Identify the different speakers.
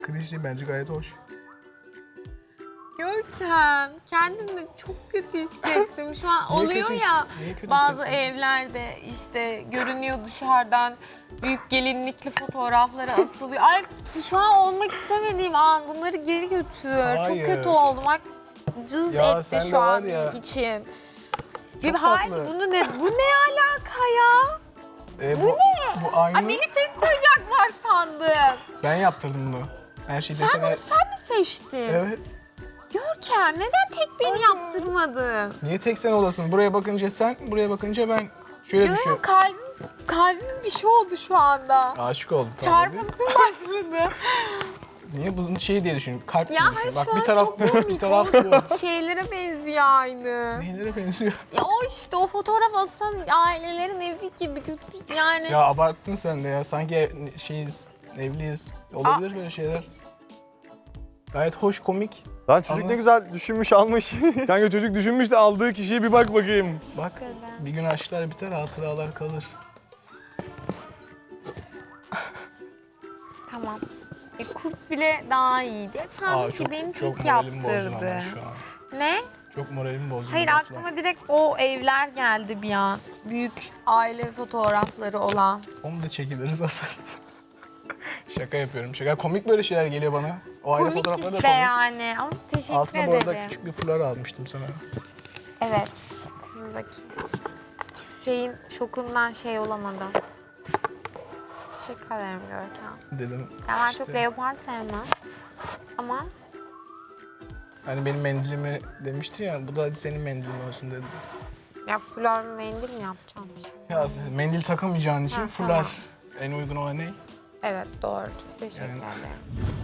Speaker 1: Klişe bence gayet hoş.
Speaker 2: Görkem, kendimi çok kötü hissettim. Şu an
Speaker 1: Niye
Speaker 2: oluyor
Speaker 1: kötü
Speaker 2: ya
Speaker 1: niye kötü
Speaker 2: bazı
Speaker 1: hissettin?
Speaker 2: evlerde işte görünüyor dışarıdan büyük gelinlikli fotoğrafları asılıyor. Ay şu an olmak istemediğim an bunları geri götür.
Speaker 1: Hayır.
Speaker 2: Çok kötü oldum. Bak cız
Speaker 1: Ya
Speaker 2: etti
Speaker 1: sen de
Speaker 2: şu an
Speaker 1: var ya.
Speaker 2: içim.
Speaker 1: Çok
Speaker 2: Hayır
Speaker 1: tatlı.
Speaker 2: bu ne alaka ya?
Speaker 1: Bu ne? Bu aynı.
Speaker 2: Ay beni tek koyacaklar sandım.
Speaker 1: Ben yaptırdım bunu. Her şeyi
Speaker 2: Sen
Speaker 1: desene.
Speaker 2: bunu sen mi seçtin?
Speaker 1: Evet.
Speaker 2: Görkem neden tek beni yaptırmadın?
Speaker 1: Niye tek sen olasın? Buraya bakınca sen, buraya bakınca ben. Şöyle düşün.
Speaker 2: Yok kalbim bir şey oldu şu anda.
Speaker 1: Aşık oldum. tamam değil.
Speaker 2: Çarpıntım başladı.
Speaker 1: Niye bunun şey diye düşün. Kalp diye
Speaker 2: Ya
Speaker 1: düşün.
Speaker 2: hayır
Speaker 1: Bak
Speaker 2: şu an
Speaker 1: bir taraf
Speaker 2: çok
Speaker 1: bu,
Speaker 2: komik.
Speaker 1: bir taraf bu.
Speaker 2: Şeylere benziyor aynı.
Speaker 1: Neylere benziyor?
Speaker 2: Ya o işte o fotoğraf asan ailelerin evi gibi kötü yani.
Speaker 1: Ya abarttın sen de ya. Sanki şeyiz, evliyiz. Olabilir böyle şeyler. Gayet hoş, komik.
Speaker 3: Lan çocuk
Speaker 1: Ama-
Speaker 3: ne güzel düşünmüş almış. Kanka çocuk düşünmüş de aldığı kişiye bir bak bakayım.
Speaker 1: Bak bir gün aşklar biter, hatıralar kalır.
Speaker 2: Tamam. Kurt bile daha iyiydi. Sanki beni
Speaker 1: çok
Speaker 2: tek
Speaker 1: moralim bozdun
Speaker 2: yaptırdı.
Speaker 1: ama şu an.
Speaker 2: Ne?
Speaker 1: Çok moralimi bozdun.
Speaker 2: Hayır
Speaker 1: Aslan.
Speaker 2: aklıma direkt o evler geldi bir an. Büyük aile fotoğrafları olan.
Speaker 1: Onu da çekiliriz, asarız. Şaka yapıyorum, şaka. Komik böyle şeyler geliyor bana. O aile
Speaker 2: Komik
Speaker 1: fotoğrafları da
Speaker 2: işte
Speaker 1: komik.
Speaker 2: yani ama teşekkür
Speaker 1: Altına bu arada
Speaker 2: ederim.
Speaker 1: küçük bir fular almıştım sana.
Speaker 2: Evet. Buradaki şeyin şokundan şey olamadım. Teşekkür ederim Görkem.
Speaker 1: Dedim
Speaker 2: Ya ben
Speaker 1: işte,
Speaker 2: çok leopar sevmem. Ama
Speaker 1: hani benim mendilimi demişti ya, bu da hadi senin mendilin olsun dedi.
Speaker 2: ya fular mendil mi yapacağım?
Speaker 1: Ya mendil takamayacağın için
Speaker 2: Ha,
Speaker 1: fular
Speaker 2: tamam.
Speaker 1: en uygun olan ne?
Speaker 2: Evet doğru. Çok teşekkür
Speaker 1: Yani-
Speaker 2: ederim.